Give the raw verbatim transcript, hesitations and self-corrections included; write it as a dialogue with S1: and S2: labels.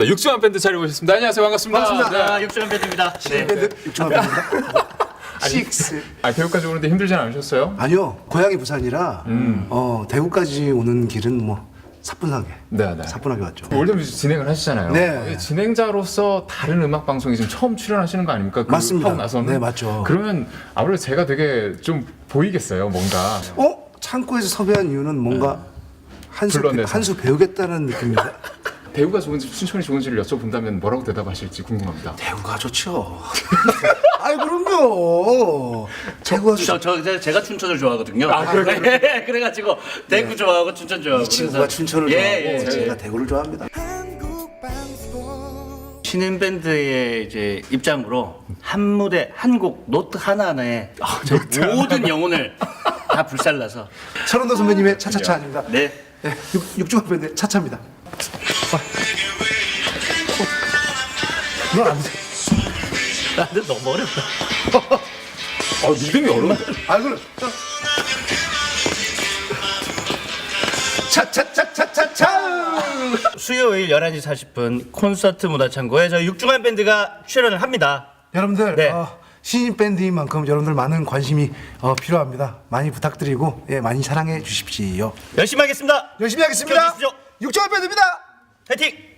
S1: 자, 육중한 밴드 자리 오셨습니다. 안녕하세요. 반갑습니다.
S2: 반갑습니다.
S1: 네.
S2: 육중한 밴드입니다.
S3: 네. 밴드 육중한 밴드입니다. 식스.
S1: 아, 대구까지 오는데 힘들진 않으셨어요?
S3: 아니요, 고향이 부산이라 어, 대구까지 오는 길은 뭐 사뿐하게.
S1: 네, 네.
S3: 사뿐하게 왔죠.
S1: 월드뮤직 진행을 하시잖아요.
S3: 네.
S1: 진행자로서 다른 음악 방송에 지금 처음 출연하시는 거 아닙니까? 그
S3: 맞습니다.
S1: 하고 나서는.
S3: 네, 맞죠.
S1: 그러면 아무래도 제가 되게 좀 보이겠어요, 뭔가.
S3: 어? 창고에서 섭외한 이유는 뭔가 한 수
S1: 불러내서.
S3: 한 수 배우겠다는 느낌입니다.
S1: 대구가 좋은지 춘천이 좋은지를 여쭤본다면 뭐라고 대답하실지 궁금합니다.
S3: 대구가 좋죠. 아이 그럼요. 대구가
S2: 저,
S3: 좋죠.
S2: 저, 저 제가 춘천을 좋아하거든요.
S1: 아, 그래요?
S2: 네, 그래가지고 대구 좋아하고 춘천 좋아하고.
S3: 이 친구가
S2: 그래서-
S3: 춘천을
S2: 예,
S3: 좋아하고
S2: 예, 예.
S3: 제가 대구를 좋아합니다.
S2: 신인 밴드의 이제 입장으로 한 무대 한 곡 노트 하나 하나에 저 모든 영혼을 다 불살라서.
S3: 천원도 선배님의 차차차 아닙니다.
S2: 네.
S3: 네, 육, 육중한 밴드 차차입니다. 넌안 돼.
S2: 아, 근데 너무 어렵다.
S1: 아, 믿음이 어려운데?
S3: 아 그럼 차차차차차차.
S2: 수요일 열한 시 사십 분 콘서트 문화창고에 저희 육중한 밴드가 출연을 합니다.
S3: 여러분들
S2: 네.
S3: 어, 신인 밴드인 만큼 여러분들 많은 관심이 어, 필요합니다. 많이 부탁드리고 예, 많이 사랑해 주십시오.
S2: 열심히 하겠습니다.
S3: 열심히 하겠습니다.
S2: 지켜주십시오.
S3: 육중한 밴드입니다.
S2: 화이팅!